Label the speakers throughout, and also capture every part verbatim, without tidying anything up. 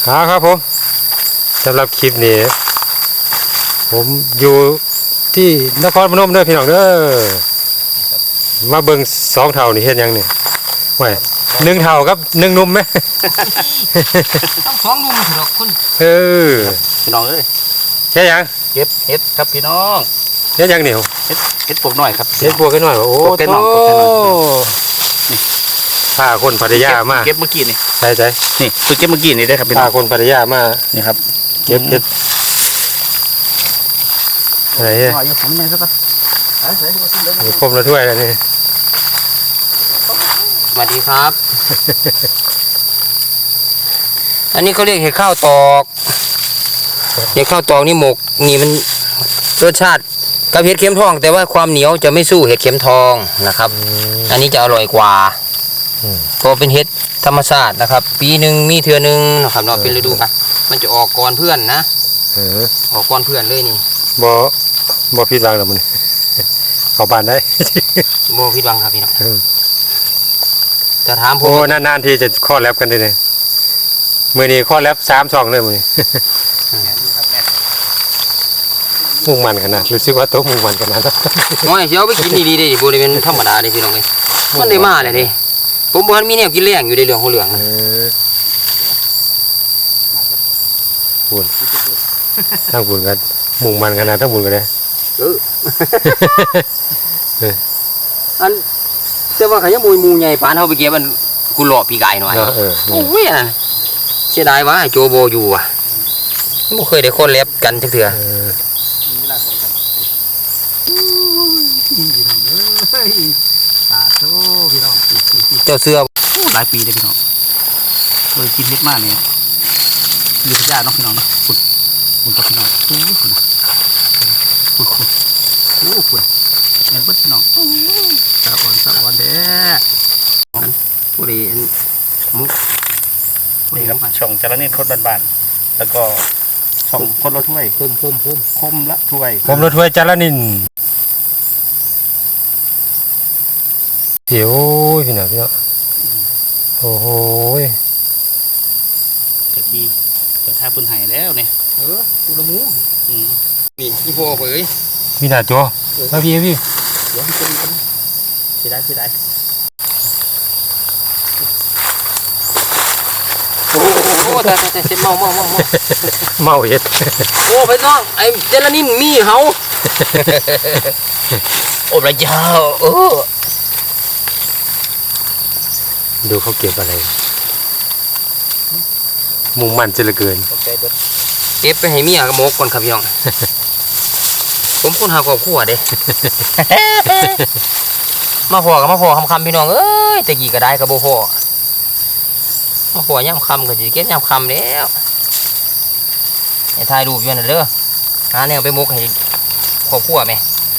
Speaker 1: ครับครับผมสำหรับคลิปนี้ผมอยู่ที่นครพนมเด้อพี่น้องเด้อมาเบิ่งสองเท่านี่เฮ็ดยังนี่ไว้หนึ่งเท่ากับหนึ่งนุ่มไหม
Speaker 2: ต้องสองนุ่มเถอะคุณ
Speaker 1: เออ
Speaker 3: พี่น้องเอ้ย
Speaker 1: เฮ็ดยัง
Speaker 3: เก็บเห็ดครับพี่น้อง
Speaker 1: เฮ็ดยังนี่
Speaker 3: เห็ดเห็ดปลูกหน่อยครับ
Speaker 1: เฮ็ดบวกกันหน่อยโอ้โหพาคนพัทยามา
Speaker 3: เก็บเมื่อกี้นี่
Speaker 1: ใช่ใช่
Speaker 3: นี่คือเก็บเมื่อกี้นี่ได้ครับพี่น้อง
Speaker 1: พาคนพัทยามา
Speaker 3: นี่ครับ
Speaker 1: เก็บเห็ดอะไรเนี่ย
Speaker 3: ผมไงสัก
Speaker 1: ผมละถ้วยแล้วนี่
Speaker 2: สวัสดีครับ อันนี้เขาเรียกเห็ดข้าวตอกเห็ดข้าวตอกนี่หมกนี่มันรสชาติกับเห็ดเข็มทองแต่ว่าความเหนียวจะไม่สู้เห็ดเข็มทองนะครับอันนี้จะอร่อยกว่าเพราะเป็นเห็ดธรรมชาตินะครับปีหนึ่งมีเทือหนึ่งนะครับเนาะเป็นฤดูนะมันจะออกก่อนเพื่อนนะออกก่อนเพื่อนเลยนี่
Speaker 1: บ่บ่ผิดหวังหรอกมันเข้าบ้านได้
Speaker 2: บ่ผิดหวังครับพี่น้องจะถามผม
Speaker 1: โอ้นานๆที่จะข้อแลบกันได้เลยมือนี้ข้อแลบสามสองเลยมือนี้มุ่งมันขนาดรู้สึกว่าโต๊ะมุ่งมันขนาด
Speaker 2: น้อยเชียวไปกินดีๆดิบริเวณธรรมดาดิพี่น้องเลยมันได้มาเลยดิผมบอกมีแนวกินแรงอยู่ในเรื่องของเหลือง
Speaker 1: บุญทั้งบุญกันมุ่งมันขนาดทั้งบุญกันเลย
Speaker 2: เอออันแต่ว่าขยันมวยมูใหญ่ปานเขาไปเก็บมันกูหล่อปีกไก่หน่อยโอ้ยนั่นเสียดายว่าโจโบอยู่อ่ะไม่เคยได้คนเล็บกันจักเถื่อเจ้าเสื้อ
Speaker 3: หลายปีเลยพี่น้องเคยกินเห็ดมากเนี่ยอยู่ที่ย่าน้องพี่น้องนะขุดขุดกับพี่น้องขุดขุดขุดขุดโอ้ขุดเงินเบิ้ลพี่น้องสะอ่อนสะอ่อนเด้อ
Speaker 2: ผู้ดีมุก
Speaker 3: นี่ครับช่องจระนินคนบานๆแล้วก็ช่องคนละถ้วย
Speaker 2: คมคมคม
Speaker 3: คมละถ้วย
Speaker 1: คมละถ้วยจระนินเดี๋ยวพี่หน่อยพี่เนาะโอ้โห
Speaker 3: เจ้าที่เจ้าท่าปืนไห่แล้วเนี่ย
Speaker 2: เออกูละมูนี่พี่พ่อเผย
Speaker 1: พี่หน่าจ้มาพี่พี่
Speaker 3: เดี๋ยวพี่จะมีกันเสียดายเสียดาย
Speaker 2: โอ้โหแต่แต่เมาเมาเมาเมา
Speaker 1: เมาเย็ด
Speaker 2: โอ้ไปน้องไอ้เจลานินมีเขาโอ้พระเจ้าโอ้
Speaker 1: ดูเขาเก็บอะไรมุ่งมั่นจะเหลือเกิน
Speaker 2: เก็บไปให้เมียกับโมกก่อนครับพี่น้องผมคนหาครอบครัวเด้มาพอกับมาพอคำคำพี่น้องเอ้ยแต่กี่ก็ได้กับโบพอมาพอย่ำคำก็จะเก็บย่ำคำแล้วให้ถ่ายรูปอยู่นั่นเด้อหาแนวไปมุกให้ครอบครัวไหม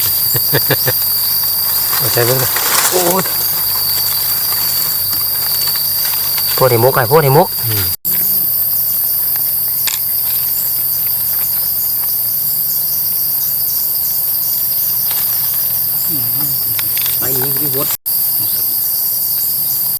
Speaker 1: ใช่ไหม
Speaker 2: โอ้พวกที่มุกไงพวกที่มุกไปนี่พี่พด